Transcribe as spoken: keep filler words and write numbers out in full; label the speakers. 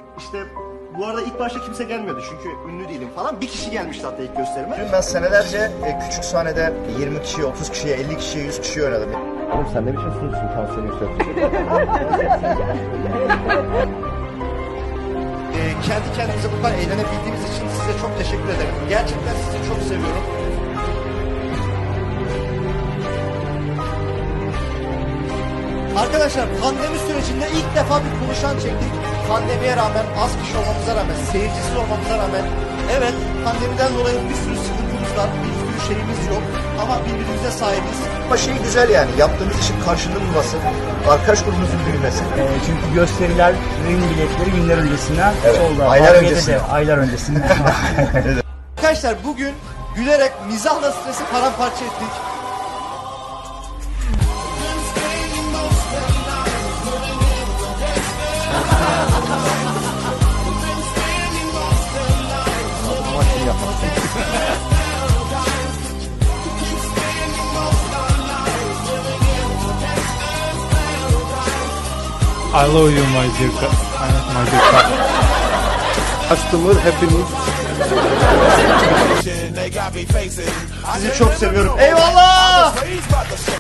Speaker 1: İşte bu arada ilk başta kimse gelmiyordu çünkü ünlü değilim falan. Bir kişi gelmişti hatta ilk gösterime.
Speaker 2: Dün ben senelerce e, küçük sahnede yirmi kişiye, otuz kişiye, elli kişiye, yüz kişiye oynadım.
Speaker 3: Oğlum sen ne biçim sunucusun, tansiyonu yükseltiyorsun.
Speaker 1: Ee, kendi kendimize bu kadar eğlenebildiğimiz için size çok teşekkür ederim. Gerçekten sizi çok seviyorum. Arkadaşlar pandemi sürecinde ilk defa bir konuşan çektik. Pandemiye rağmen, az kişi olmamıza rağmen, seyircisiz olmamıza rağmen, evet pandemiden dolayı bir sürü sıkıntımız var, bir sürü şeyimiz yok ama birbirimize sahibiz.
Speaker 2: Ama şey güzel yani, yaptığımız işin karşılığı bulması, arkadaş grubumuzun büyümesi.
Speaker 4: E, çünkü gösterilerin biletleri günler öncesinden
Speaker 2: Evet,
Speaker 4: solda.
Speaker 2: aylar
Speaker 4: Harbiye'de
Speaker 2: öncesinde.
Speaker 4: de aylar öncesinden.
Speaker 1: Arkadaşlar bugün gülerek mizahla stresi paramparça ettik.
Speaker 5: I love you my dear, cu- my dear cu-
Speaker 3: Customer hepimiz.
Speaker 1: Sizi çok seviyorum. Eyvallah!